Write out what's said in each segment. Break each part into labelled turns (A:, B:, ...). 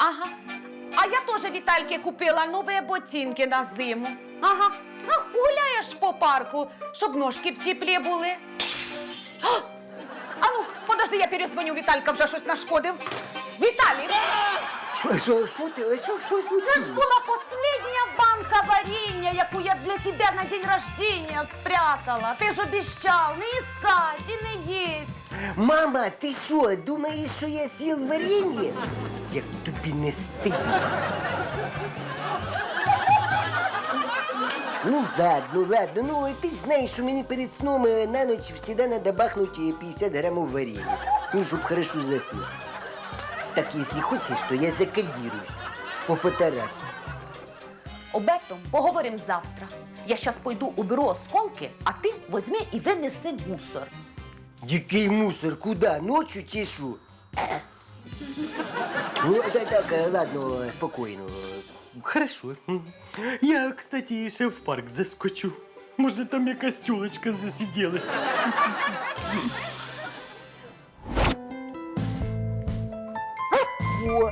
A: Ага. А я тоже Витальке купила новые ботинки на зиму. Ага. Ну, гуляєш по парку, щоб ножки в теплі були. А ну, подожди, я перезвоню, Віталька вже щось нашкодив. Віталій!
B: Що ти? Що
A: Це ж
B: случилось?
A: була последня банка варенья, яку я для тебя на день рождения спрятала. Ти ж обіцяв не іскати і не їсть.
B: Мама, ти що, думаєш, що я з'їв варенье? Як тобі не стидно? Ну ладно, ну ти ж знаєш, що мені перед сном на ніч завжди треба бахнути 50 грамів варенья. Ну, щоб хорошо заснути. Так, если хочешь, то я закодируюсь по фотографии.
A: Об этом поговорим завтра. Я сейчас пойду уберу осколки, а ти возьми і винеси мусор.
B: Який мусор? Куда? Ночью чи що? Ну, так, ладно, спокойно.
C: Хорошо. Я, кстати, ще в парк заскочу. Може, там якась тюлечка засиділась.
B: О!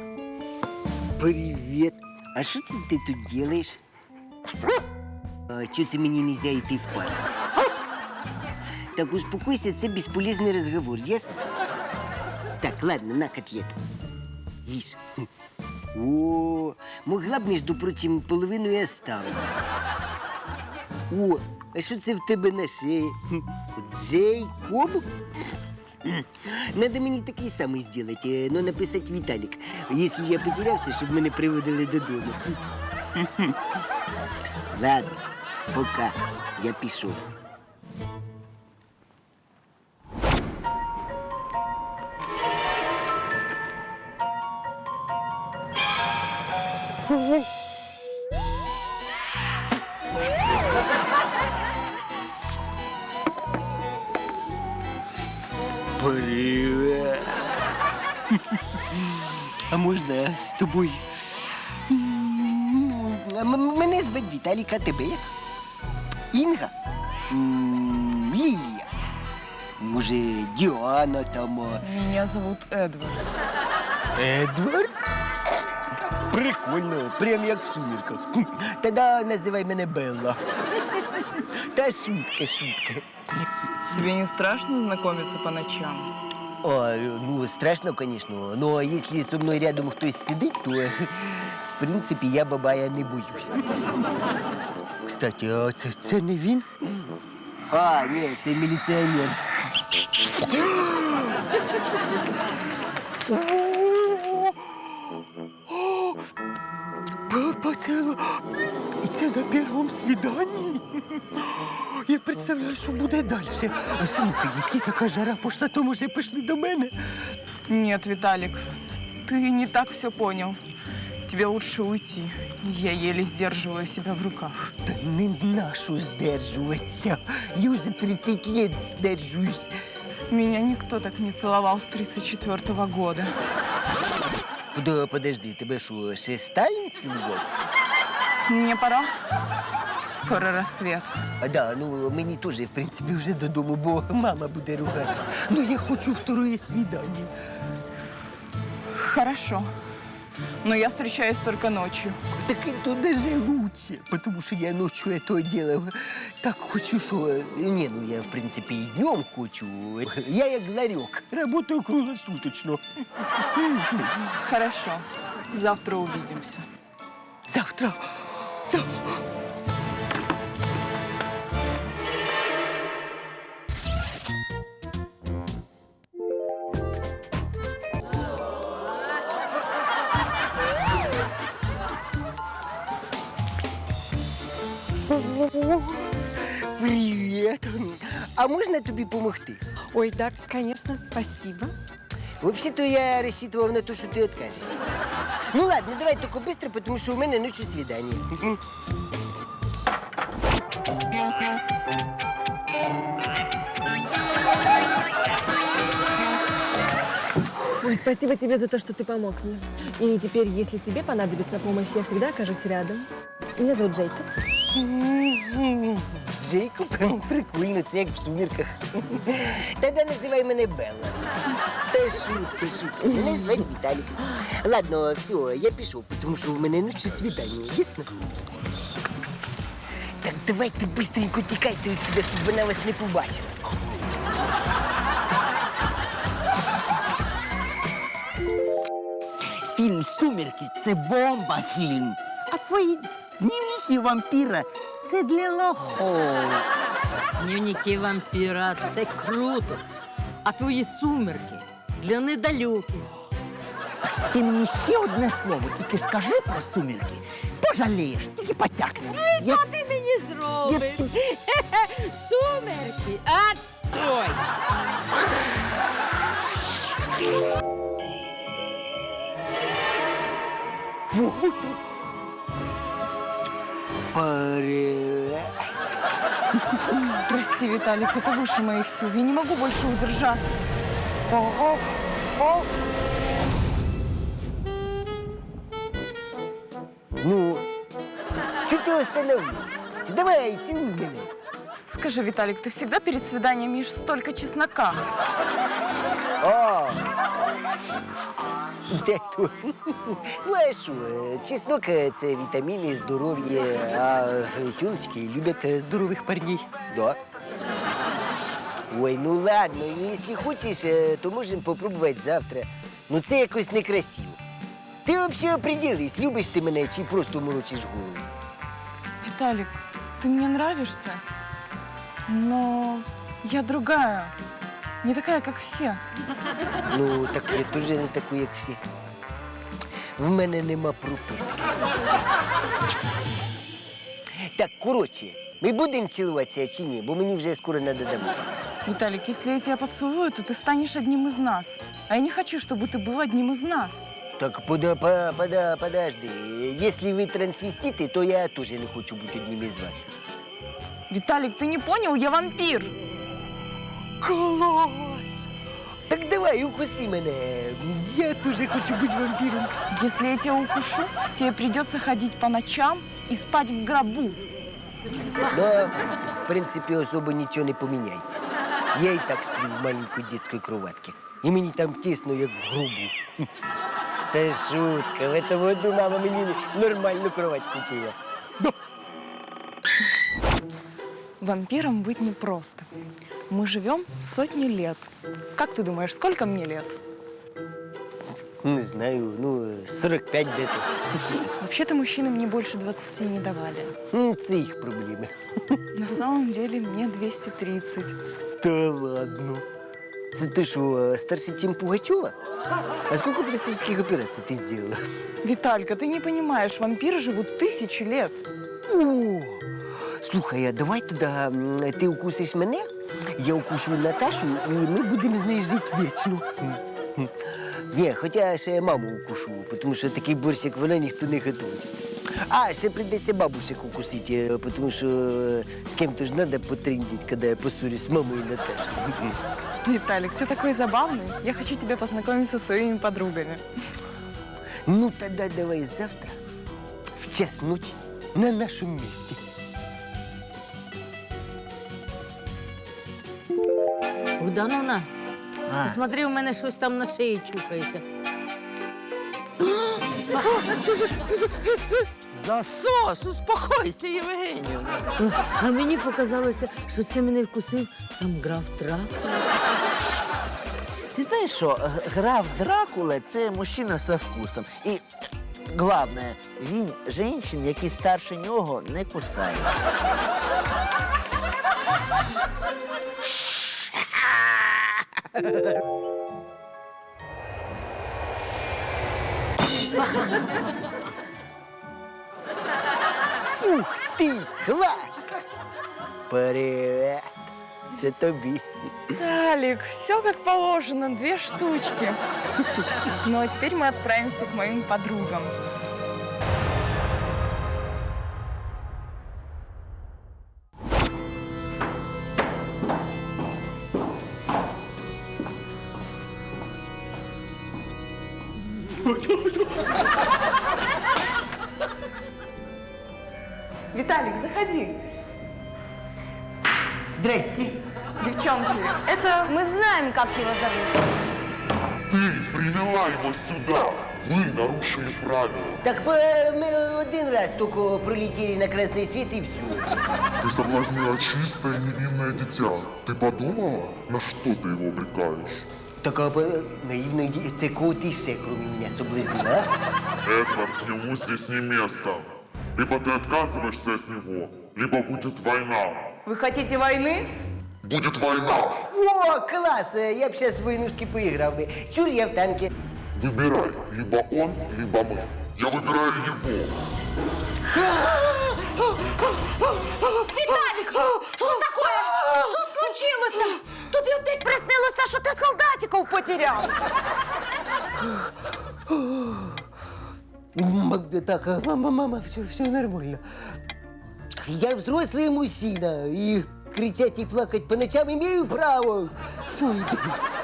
B: Привет! А что ты тут делаешь? А что це мені нельзя йти в парк? Так, успокойся, це бесполезный разговор, ясно? Так, ладно, на котлету. Ешь. О, могла б, между прочим, половину и оставить. О, а що це в тебе на шеї? Джейкоб? Надо мені такий самий зробити, но написати Віталік, якщо я потерявся, щоб мене приводили додому. Ладно, пока, я пішов.
C: Привет. А можна з тобою?
B: Мене звати Віталік, а тебе як? Інга? Лілія? Може, Діана там?
D: Меня зовут Эдвард.
B: Едвард? Прикольно, прям як в «Сумерках». Тоді називай мене Белла. Та шутка.
D: Тебе не страшно знакомиться по ночам?
B: О, ну, страшно, конечно, но если со мной рядом хтось сидить, то, в принципі, я бабая не боюсь. Кстати, а це не він? А, ні, це міліціонер.
C: Поцілу. І це на першому свіданні? Я представляю, що буде далі. Слухай, якщо така жара пішла, то, може, пішли до мене?
D: Нет, Виталик, ты не так все понял. Тебе лучше уйти. Я еле сдерживаю себя в руках.
B: Та не нашу здержуватися. Я вже 30 лет здержуюсь.
D: Меня никто так не целовал с 34-го года.
B: Подожди, тебе що, ще Сталін цілував?
D: Мне пора. Скоро рассвет.
B: А да, ну мені теж, в принципі, вже додому, бо мама буде ругати. Ну я хочу второе свидание.
D: Хорошо. Но я встречаюсь только ночью.
B: Так это даже лучше, потому что я ночью это делал. Так хочу, что... Не, ну я, в принципе, и днем хочу. Я як ларек, работаю круглосуточно.
D: Хорошо. Завтра увидимся.
B: Завтра? Да. Привет. А можна тобі помогти?
E: Ой, да, конечно, спасибо.
B: Вообще-то я рассчитывал на то, что ты откажешься. Ну ладно, давай только быстро, потому что у меня ночью свидание.
E: Ой, спасибо тебе за то, что ты помог мне. И теперь, если тебе понадобится помощь, я всегда окажусь рядом. Меня зовут Джейкоб.
B: Джейкоб, прикольно, це як в сумірках. Тоді називай мене Белла. Та шутка. Мене звати Віталік. Ладно, все, я пішов, тому що в мене ночі свідання, ясно? Так давайте быстренько тікайте відсюди, щоб вона вас не побачила.
F: Фільм «Сумерки» – це бомба-фільм. А твої дневники вампіра – це для лохов.
G: Дневники вампіра – це круто. А твої сумерки для недалюких.
F: Ти мені ще одне слово тільки скажи про «Сумерки». Пожалієш, тільки потякне.
G: Що ти мені зробиш? Сумерки, отстой!
B: Привет.
D: Прости, Виталик, это выше моих сил. Я не могу больше удержаться.
B: Ну, что ты остановилась? Давай, целуй меня.
D: Скажи, Виталик, ты всегда перед свиданием ешь столько чеснока?
B: О! Де то? Ну, а що, чеснок – це вітаміни, здоров'я, а тюлечки люблять здорових парней. Да. Ой, ну ладно, ну, якщо хочеш, то можемо попробувати завтра. Ну це якось некрасиво. Ти взагалі определись, любиш ти мене чи просто морочиш голову?
D: Виталик, ты мне нравишься, но я другая. Не такая, как все.
B: Ну, так я теж не такий, як всі. В мене нема прописки. Так, коротше, ми будемо цілуватися чи ні? Бо мені вже скоро треба домой.
D: Виталик, если я тебя поцелую, то ты станешь одним из нас. А я не хочу, чтобы ты был одним из нас.
B: Так, подожди. Если вы трансвеститы, то я тоже не хочу бути одним із вас.
D: Виталик, ты не понял? Я вампир.
B: Клас! Так давай, укуси мене. Я теж хочу бути вампіром.
D: Если я тебя укушу, тебе придется ходить по ночам и спать в гробу.
B: Да, в принципі, особо нічого не поміняється. Я і так сплю в маленькій дитячій кроватці. І мені там тісно, як в гробу. Та шутка, в этом году мама мені нормальну кровать купила.
D: Вампиром быть непросто. Мы живем сотни лет. Как ты думаешь, сколько мне лет?
B: Не знаю, ну, 45 где-то.
D: Вообще-то мужчины мне больше 20 не давали.
B: Це їх проблеми.
D: На самом деле мне 230.
B: Та ладно. Це ти що, старше, ніж Пугачова? А скільки пластичних операцій ти зробила?
D: Виталька, ты не понимаешь, вампиры живут 1000 лет.
B: О! Слухай, а давай тоді ти укусиш мене, я укушу Наташу, і ми будемо з нею жити вічно. Ні, хоча ще маму укушу, тому що такий борщ, як вона, ніхто не готує. А, ще прийдеться бабушек укусити, тому що з ким-то ж треба потрындіть, коли я поссорюсь з мамою і Наташею.
D: Виталик, ты такой забавный. Я хочу тебя познакомить со своими подругами.
B: Ну, тоді давай завтра, в час ночі, на нашому місці.
G: Богдановна, посмотри, у мене щось там на шиї чухається.
F: Засос, успокойся, Євгенівна.
G: А мені показалося, що це мене вкусив сам граф Дракула.
F: Ти знаєш що, граф Дракула – це мужчина со вкусом. І, головне, він жінчин, які старше нього, не кусає.
B: Ух ти, клас! Привет! Це тобі.
D: Виталик, все как положено, 2 штучки. Ну а теперь мы отправимся к моим подругам. Виталик, заходи.
B: Здрасте.
D: Девчонки, это...
A: Мы знаем, как его зовут.
H: Ты привела его сюда. Вы нарушили правила.
B: Так мы один раз только пролетели на красный свет и все.
H: Ты соблазнила чистое невинное дитя. Ты подумала, на что ты его обрекаешь?
B: Так наивно, це кого ти ще, кроме меня, соблазнила, а?
H: Эдвард, ему здесь не место. Либо ты отказываешься от него, либо будет война.
D: Вы хотите войны?
H: Будет война.
B: О, класс! Я б сейчас в войнушки поиграл бы. Чур, я в танке.
H: Выбирай, либо он, либо мы. Я выбираю его.
A: Віталік, що таке? Що случилося? Тобі опять приснилося, що ти солдатиків потеряв.
B: Так, мама, все нормально. Я взрослый мужчина, и кричать и плакать по ночам имею право. Все, иди.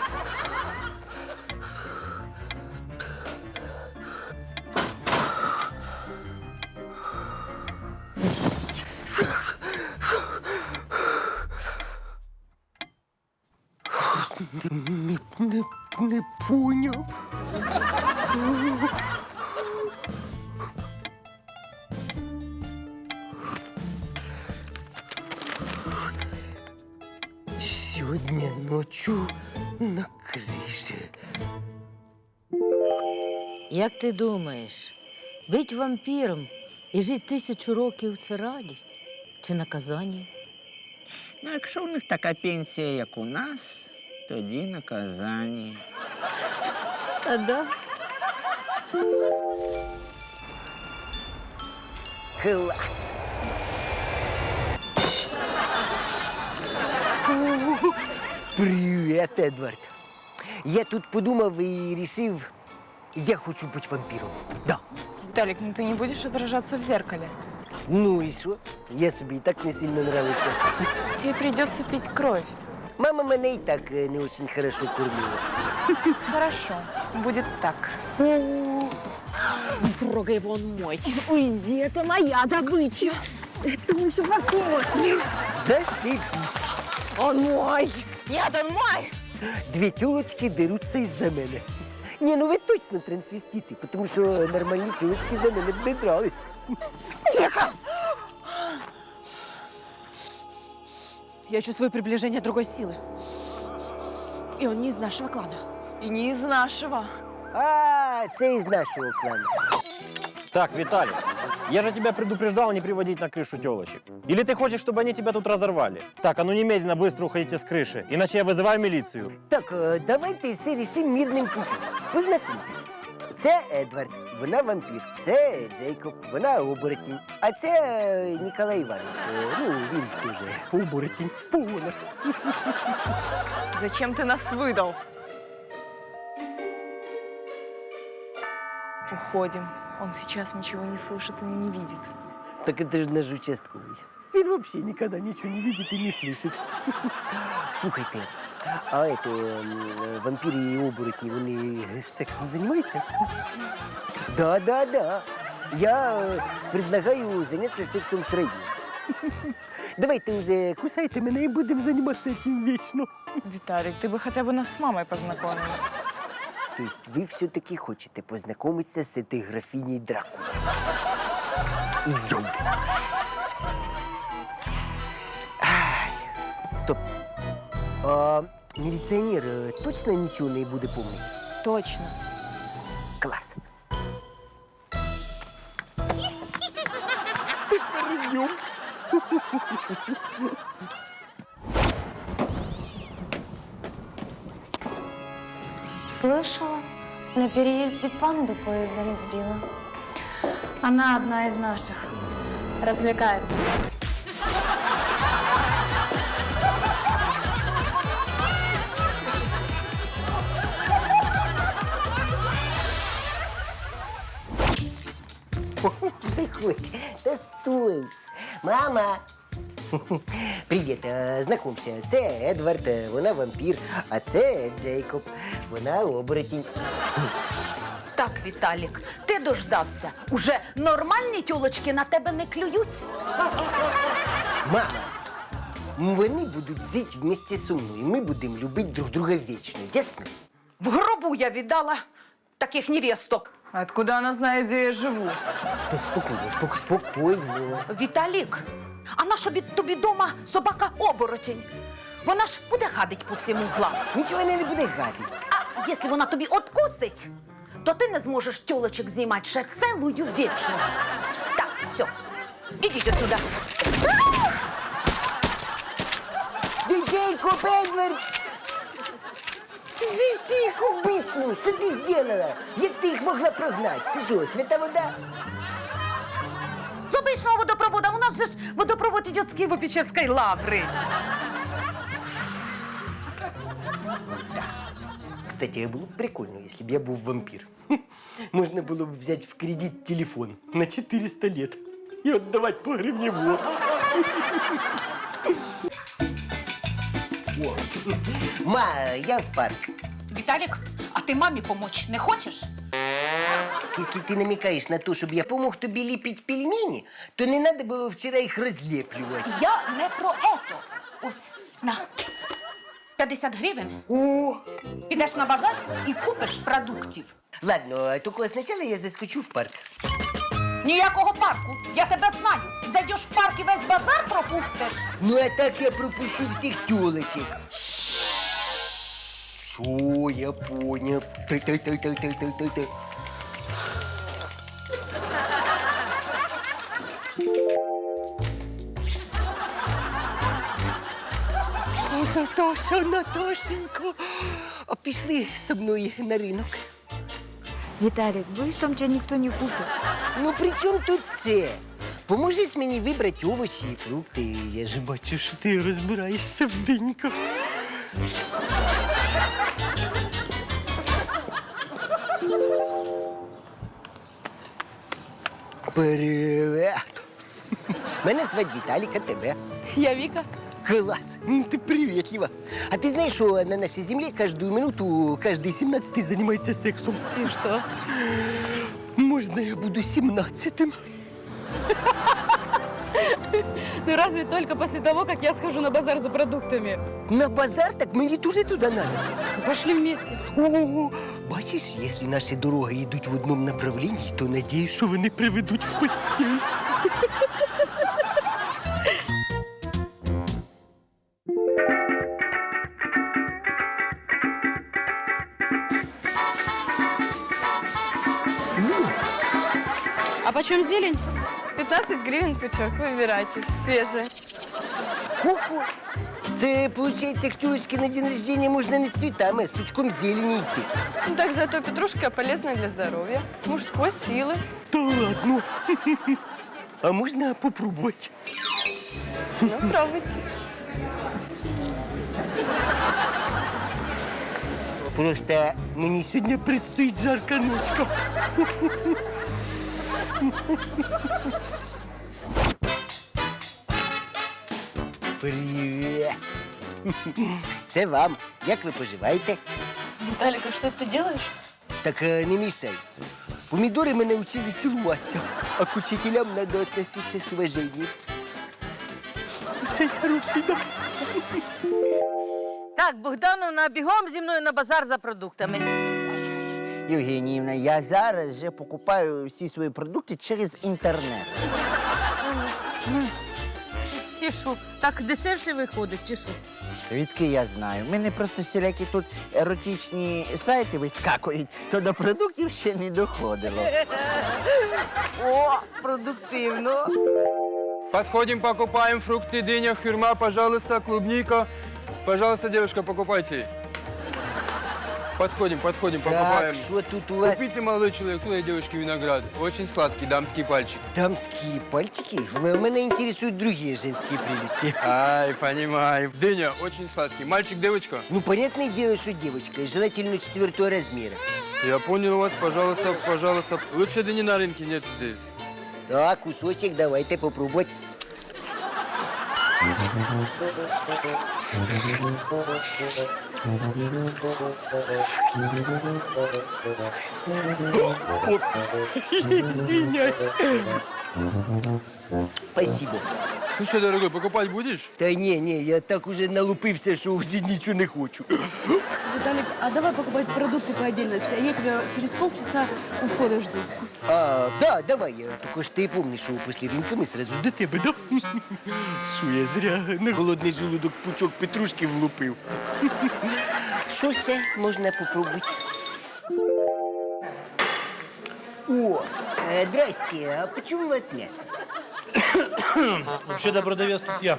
B: Не понял. Сегодня ночью на крыше.
G: Як ти думаєш, бить вампіром і жити 1000 років – це радість чи наказання?
F: Ну, якщо у них така пенсія, як у нас, тоді наказання.
G: Та да.
B: Класс! Привет, Эдвард. Я тут подумав и решил, я хочу быть вампиром. Да.
D: Виталик, ну ты не будешь отражаться в зеркале.
B: Ну и что? Я себе и так не сильно нравился.
D: Тебе придется пить кровь.
B: Мама меня и так не очень хорошо кормила.
D: Хорошо, будет так.
E: Трогай, вон мой. Уйди, это моя добыча. Это мы еще посмотрим.
B: Зашибись.
E: Он мой.
D: Нет, он мой!
B: Две тёлочки дерутся из-за мене. Не, ну вы точно трансвеститы, потому что нормальные тёлочки за мене б не дрались.
E: Я чувствую приближение другой силы. И он не из нашего клана.
D: И не из нашего.
B: А, це из нашего клана.
I: Так, Виталий, я же тебя предупреждал не приводить на крышу телочек. Или ты хочешь, чтобы они тебя тут разорвали? Так, а ну немедленно быстро уходите с крыши, иначе я вызываю милицию.
B: Так, давайте все рішимо мирним путем. Познайомтесь. Це Едвард, вона вампір. Це Джейкоб, вона оборотень. А це Ніколай Іванович. Ну, він теж оборотень в погонах.
D: Зачем ты нас выдал? Уходим. Он сейчас ничего не слышит и не видит.
B: Так это же наш участковый. Він вообще никогда ничего не видит и не слышит. Слухайте, а это вампиры и оборотни, вони сексом занимаются? Да. Я предлагаю заняться сексом втроем. Давайте уже кусайте меня и будем заниматься этим вечно.
D: Виталик, ты бы хотя бы нас с мамой познакомил.
B: То есть вы все-таки хотите познакомиться с этой графиней Дракула? Идем. Стоп. А милиционер точно ничего не будет помнить?
D: Точно.
B: Класс. Идем.
J: Слышала, на переезде панду поездом сбила. Она одна из наших. Развлекается.
B: Заходь. Да стой. Мама. Привіт, знайомся. Це Едвард, вона вампір, а це Джейкоб, вона оборотень.
D: Так,
A: Віталік, ти дождався. Уже нормальні тьолочки на тебе не клюють.
B: Мама, вони будуть жити вместе зі мною. Ми будемо любити друг друга вічно, ясно?
A: В гробу я віддала таких невесток.
D: Откуда она знает, где я живу?
B: Та спокійно, спокійно.
A: Віталік, а наша тобі дома собака-оборотень? Вона ж буде гадить по всім углам.
B: Нічого вона не буде гадити.
A: А якщо вона тобі откусить, то ти не зможеш тьолочок знімати ще цілу вічність. Так, все, ідіть отсюда.
B: Дитейко, Бендлер! Тихо, бичну, що ти зробила? Як ти їх могла прогнати? Це що, свята вода?
A: З обичного водопровода. У нас же ж водопровод идет с Киево-Печерской лавры.
B: Кстати, було б прикольно, якщо б я був вампір. Можна було б взяти в кредит телефон на 400 лет і віддавати по гривні в год. О. Ма, я в парк.
A: Виталик, а ты маме помочь не хочешь?
B: Если ты намекаешь на то, чтобы я помог тобі ліпити пельмені, то не надо було вчора їх розліплювати.
A: Я не про это. Ось, на. 50 гривень.
B: О!
A: Підеш на базар і купиш продуктів.
B: Ладно, тільки спочатку я заскочу в парк.
A: Ніякого парку. Я тебе знаю. Зайдеш в парк і весь базар пропустиш.
B: Ну, а так я пропущу всіх тёлочек. Все, я понял. Та-та-та-та-та-та-та. О, Наташа, Наташенька, а пішли зі мною на ринок.
E: Виталик, боюсь, там тебя никто не купит.
B: Ну, при чому тут це? Поможеш мені вибрати овочі і фрукти. Я ж бачу, що ти розбираєшся в диньках. Привет! Мене звати Віталік, а тебе?
E: Я Вика.
B: Класс! Ты приветлива. А ты знаешь, что на нашей земле каждую минуту каждый 17-й занимается сексом?
E: И что?
B: Можно я буду 17-м?
E: Ну разве только после того, как я схожу на базар за продуктами.
B: На базар? Так мені тоже туда надо.
E: Ну, пошли вместе.
B: О, бачиш, если наши дороги йдуть в одном направлении, то надеюсь, що вони приведуть в постель.
E: А почем зелень? 15 гривен пучок. Выбирайте. Свежая.
B: Сколько? Це, получается, к тёлочке на день рождения можно не с цветами, а с пучком зелени идти.
E: Ну так зато петрушка полезная для здоровья. Мужской силы.
B: Да ладно. А можно попробовать?
E: Ну, пробуйте.
B: Просто мені сьогодні предстоїть жарка ночка. Привіт. Це вам. Як ви поживаєте?
E: Виталик, а что ты делаешь?
B: Так не мішай. Помідори мене вчили цілуватися, а к учителям треба відноситися з уваженням. Це хороший, да?
G: Так, Богдановна, бігом зі мною на базар за продуктами.
F: Євгеніївна, я зараз вже покупаю всі свої продукти через інтернет.
G: І що, так дешевше виходить, чи що?
F: Відки я знаю. У мене просто всілякі тут еротичні сайти вискакують, то до продуктів ще не доходило.
G: О, продуктивно.
K: Подходим, покупаем фрукты, дыня, хюрма, пожалуйста, клубника. Пожалуйста, девушка, покупайте. Подходим,
B: Так,
K: покупаем.
B: що тут у вас?
K: Купите, молодой человек, туда девушке виноград. Очень сладкий, дамский пальчик.
B: Дамские пальчики? Меня интересуют другие женские прелести.
K: Ай, понимаю. Дыня, очень сладкий. Мальчик, девочка?
B: Ну, понятное дело, что девочка, и желательно 4-го размера.
K: Я понял вас, пожалуйста, пожалуйста. Лучше дыни на рынке нет здесь.
B: Так, кусочек давайте попробовать.
C: Извиняюсь.
B: Спасибо.
K: Слушай, дорогой, покупать будешь?
B: Та ні, я так уже налупився, що вже нічого не хочу.
E: Виталик, а давай покупать продукты по отдельности, а я тебя через полчаса у входа жду.
B: Да, давай. Тільки ж ти помниш, що після ринка ми сразу до тебе, да? Що я зря на голодний желудок пучок петрушки влупив. Що ще можна попробувати? О, здрасте, а почему у вас мясо?
I: Вообще-то продавец тут я.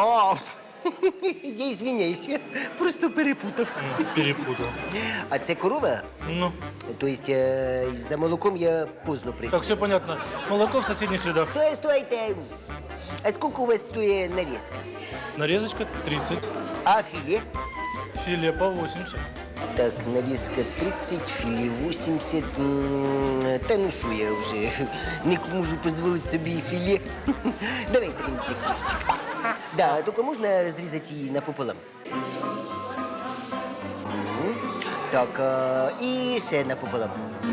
B: Я извиняюсь, я просто перепутав.
I: Перепутал.
B: А це корова?
I: Ну,
B: Тобто за молоком я поздно прийшов.
I: так, все понятно. Молоко в соседних рядах.
B: Стойте. А сколько у вас стоит нарезка?
I: Нарезочка 30,
B: А филе?
I: филе по 80.
B: Так, нарезка 30, филе 80. Та ну що, я вже не можу дозволити собі і филе. Давайте мені цей кусочек. Да, только можно разрезать ее напополам. Так, и ще напополам.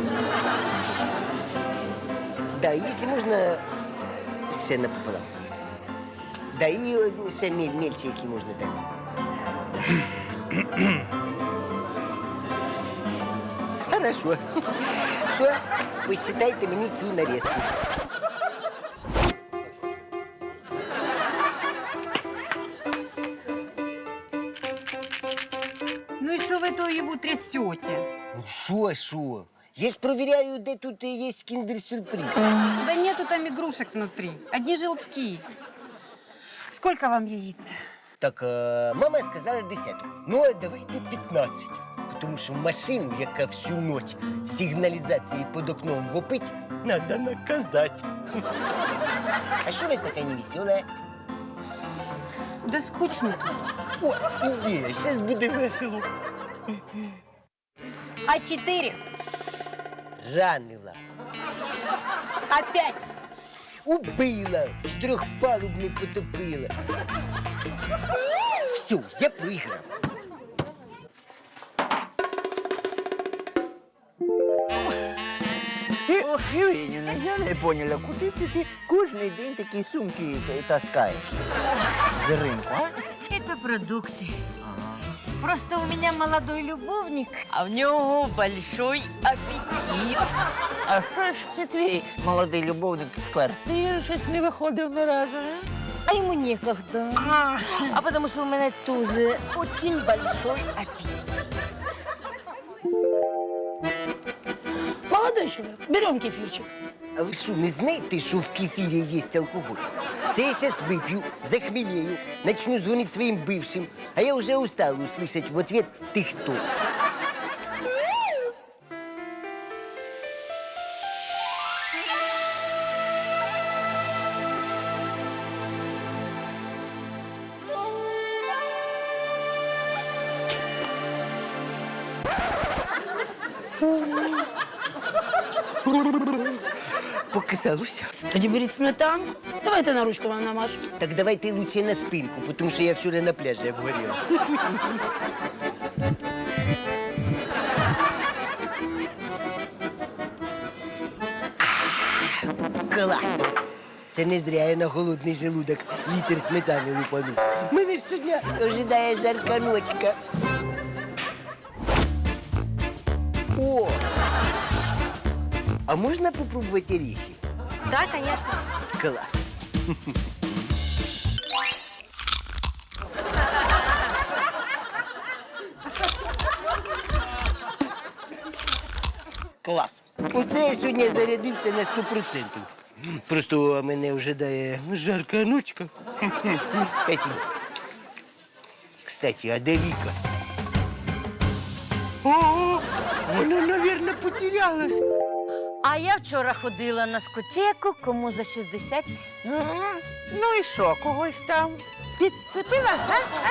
B: Да, если можно, ще напополам. Да, и ще мельче, если можно, так. Хорошо. Все, посчитайте мне цю нарезку.
E: Ну и что вы то его трясете?
B: Шо? Я ж проверяю, где тут есть киндер-сюрприз.
E: Да нету там игрушек внутри, одни желтки. Сколько вам яиц?
B: Так, мама сказала 10. Ну, а давайте 15. Тому що машину, яка всю ніч сигналізації під окном вопить, треба наказати. А що ви така невесела?
E: Да скучно тут.
B: О, ідея, зараз буде весело.
E: А4.
B: Ранила.
E: Опять.
B: Убила. Чотирьохпалубну потопила. Все, я проіграв.
F: Євгенівна, я не поняла, куди це ти кожен день такі сумки таскаєш з ринку, а?
G: Это продукты. Просто у меня молодой любовник, а в него большой аппетит.
F: А що ж це твій молодий любовник з квартири щось не виходив ні разу, а?
G: А ему некогда. А потому что у меня тоже очень большой аппетит.
E: Молодой человек, берем кефирчик.
B: А ви що, не знаєте, що в кефірі є алкоголь? Це я зараз вип'ю, захмелею, начну дзвонити своїм бившим, а я вже устала услышать в ответ «ти хто?». Показалося.
E: Тоді беріть сметанку. Давайте на ручку вам намажу.
B: Так давайте лучше на спинку, тому що я вчора на пляжі обгоріла. Клас! Це не зря я на голодний желудок літр сметани лупанув. Мене ж сьогодні ожидає жарка ночка. О! А можна попробувати орехи?
J: Да, конечно.
B: Клас! Клас! Оце я сьогодні зарядився на 100%. Просто мене ожидає жарка ночка. Спасибо. Кстати, а де Віка? О, вона, мабуть, потерялась.
G: А я вчора ходила на скотеку, кому за 60.
F: Ну і що, когось там підцепила, а?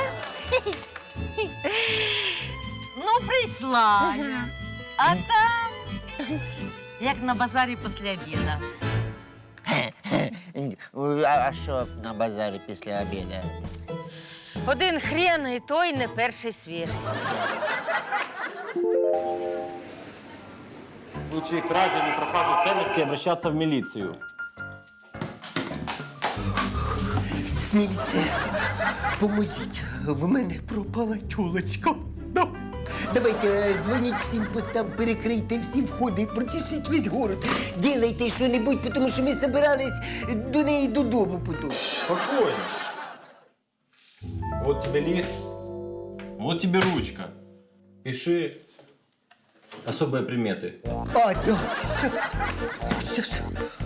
G: Ну, прийшла я. А там, як на базарі після обіду.
F: А що на базарі після обіду?
G: Один хрен, і той не першої свіжості.
I: В случае кражи или пропажи ценностей обращаться в милицию.
C: Міліція, поможіть, в мене пропала тюлочка. Да. Давайте дзвоніть всім постам, перекрийте всі входи, прочешіть весь город.
B: Ділайте що-небудь, тому що ми собирались до неї додому потім.
I: Спокойно. Вот тебе лист, вот тебе ручка. Пиши особые приметы.
C: А, да, щас.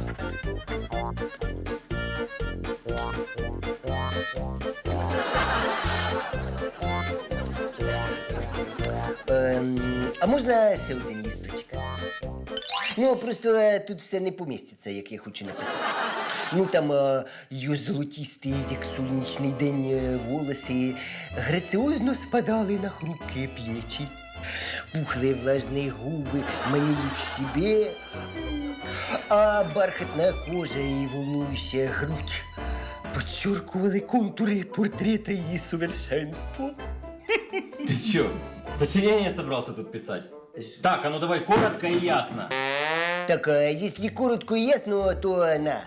B: А можна ще один лісточок? Ну, просто тут все не поміститься, як я хочу написати. Ну, там її золотісті, як сонячний день, волоси граціозно спадали на хрупкі плечі. Пухлые влажные губы манили к себе, а бархатная кожа и волнующая грудь подчеркивали контуры портрета ее совершенства.
I: Ты чё, сочинение собрался тут писать? Так, а ну давай коротко и ясно.
B: Так, если коротко и ясно, то на.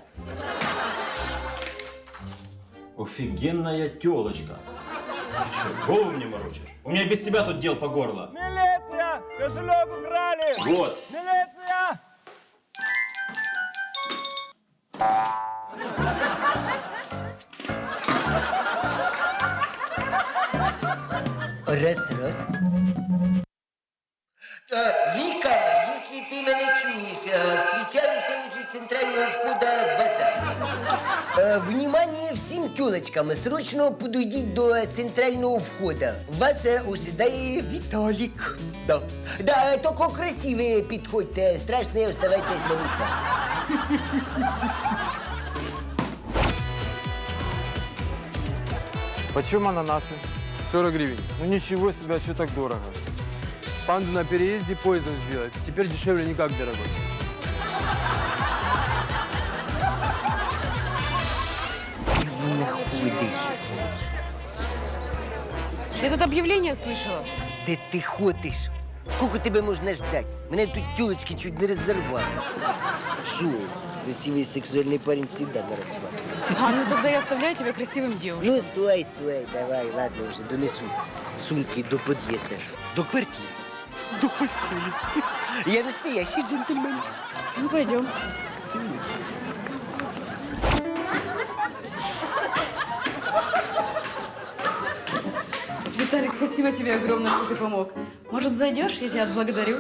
I: Офигенная тёлочка. Ты чё, голову мне морочишь? У меня без тебя тут дел по горло.
K: Милиция! Кошелек украли!
I: Вот.
K: Милиция!
B: Раз. Вика, если ты меня чуешь, встречаемся возле центрального входа в базар. Внимание всем тёлочкам, срочно подойдите до центрального входа. Вас ожидает Виталик. Да, только красивые подходьте, страшные оставайтесь на местах.
K: Почем ананасы? 40 гривен. Ну ничего себе, а что так дорого? Панду на переезде поездом сделать. Теперь дешевле никак, дорогой.
D: Я тут объявление слышала.
B: Де ти ходиш? Сколько тебе можна ждать? Мене тут тёлочки чуть не разорвали. Шо? Красивый сексуальный парень всегда на расклад.
D: А, ну тогда я оставляю тебя красивым девушкой.
B: Ну, стой, давай, ладно, уже донесу сумки до подъезда. До квартиры.
C: До постели.
B: Я настоящий джентльмен.
D: Ну, пойдем. Виталик, спасибо тебе огромное, что ты помог. Может, зайдешь? Я тебя отблагодарю.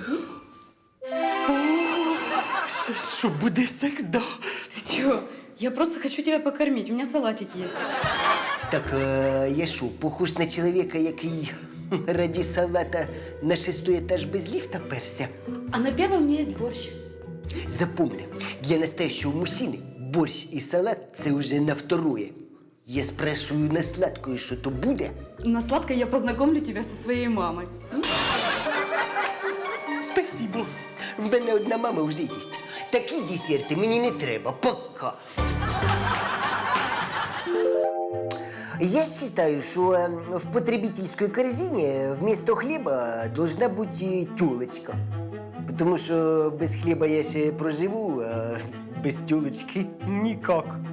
C: Що буде секс, да?
D: Ты чего? Я просто хочу тебя покормить. У меня салатик есть.
B: Так, я що, похож на чоловіка, який раді салата на 6-й етаж без ліфта перся?
D: А на первом у меня есть борщ.
B: Запомни, для настоящего мужчины борщ и салат – це уже на второе. Я спрашиваю на сладкое, что то буде?
D: На сладкое я познакомлю тебя со своей мамой.
B: Спасибо. В мене одна мама вже є. Такі десерти мені не треба. Пока. Я считаю, что в потребительской корзине вместо хлеба должна быть тёлочка. Потому что без хлеба я ще проживу, а без тёлочки никак.